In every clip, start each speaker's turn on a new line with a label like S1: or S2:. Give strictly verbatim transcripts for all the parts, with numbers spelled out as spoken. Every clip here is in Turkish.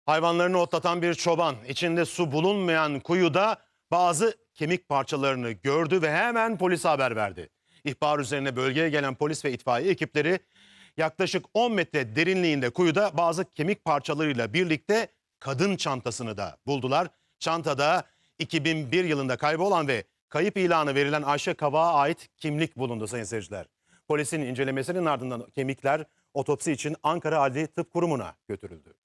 S1: Hayvanlarını otlatan bir çoban içinde su bulunmayan kuyuda bazı kemik parçalarını gördü ve hemen polise haber verdi. İhbar üzerine bölgeye gelen polis ve itfaiye ekipleri yaklaşık on metre derinliğinde kuyuda bazı kemik parçalarıyla birlikte kadın çantasını da buldular. Çantada iki bin bir yılında kaybolan ve kayıp ilanı verilen Ayşe Kavak'a ait kimlik bulundu sayın seyirciler. Polisin incelemesinin ardından kemikler otopsi için Ankara Adli Tıp Kurumu'na götürüldü.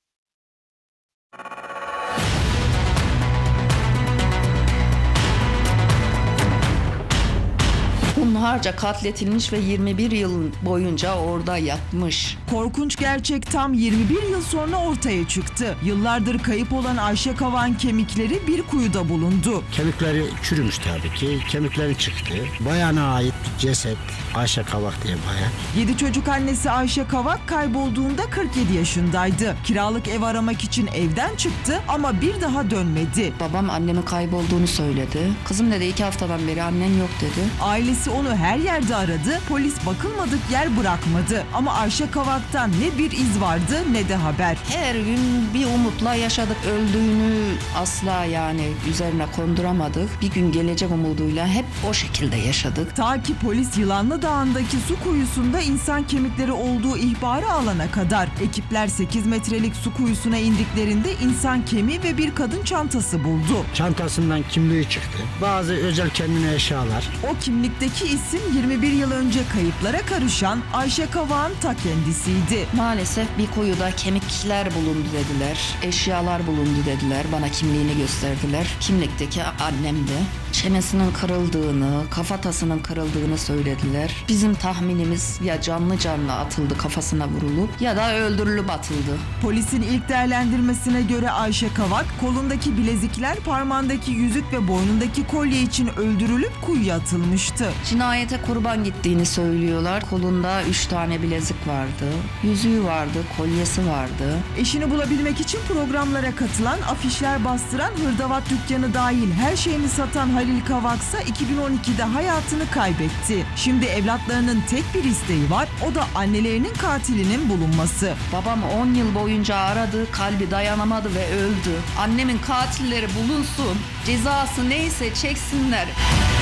S2: Hunharca katletilmiş ve yirmi bir yıl boyunca orada yatmış.
S3: Korkunç gerçek tam yirmi bir yıl sonra ortaya çıktı. Yıllardır kayıp olan Ayşe Kavak'ın kemikleri bir kuyuda bulundu.
S4: Kemikleri çürümüş tabii ki. Kemikleri çıktı. Bayana ait ceset Ayşe Kavak diye bayan.
S3: yedi çocuk annesi Ayşe Kavak kaybolduğunda kırk yedi yaşındaydı. Kiralık ev aramak için evden çıktı ama bir daha dönmedi.
S2: Babam annemin kaybolduğunu söyledi. Kızım dedi iki haftadan beri annen yok dedi.
S3: Ailesi onu her yerde aradı. Polis bakılmadık yer bırakmadı. Ama Ayşe Kavak'tan ne bir iz vardı ne de haber.
S2: Her gün bir umutla yaşadık. Öldüğünü asla yani üzerine konduramadık. Bir gün gelecek umuduyla hep o şekilde yaşadık.
S3: Ta ki polis Yılanlı Dağı'ndaki su kuyusunda insan kemikleri olduğu ihbarı alana kadar. Ekipler sekiz metrelik su kuyusuna indiklerinde insan kemiği ve bir kadın çantası buldu.
S4: Çantasından kimliği çıktı. Bazı özel kendine eşyalar.
S3: O kimlikteki isim yirmi bir yıl önce kayıplara karışan Ayşe Kavak'ın ta kendisiydi.
S2: Maalesef bir kuyuda kemikler bulundu dediler. Eşyalar bulundu dediler. Bana kimliğini gösterdiler. Kimlikteki annemdi. Çenesinin kırıldığını, kafatasının kırıldığını söylediler. Bizim tahminimiz ya canlı canlı atıldı kafasına vurulup ya da öldürülüp atıldı.
S3: Polisin ilk değerlendirmesine göre Ayşe Kavak kolundaki bilezikler, parmağındaki yüzük ve boynundaki kolye için öldürülüp kuyuya atılmıştı.
S2: Cinayete kurban gittiğini söylüyorlar. Kolunda üç tane bilezik vardı. Yüzüğü vardı, kolyesi vardı.
S3: Eşini bulabilmek için programlara katılan, afişler bastıran, hırdavat dükkanı dahil her şeyini satan Halil Kavaksa iki bin on ikide hayatını kaybetti. Şimdi evlatlarının tek bir isteği var, o da annelerinin katilinin bulunması.
S2: Babam on yıl boyunca aradı, kalbi dayanamadı ve öldü. Annemin katilleri bulunsun, cezası neyse çeksinler.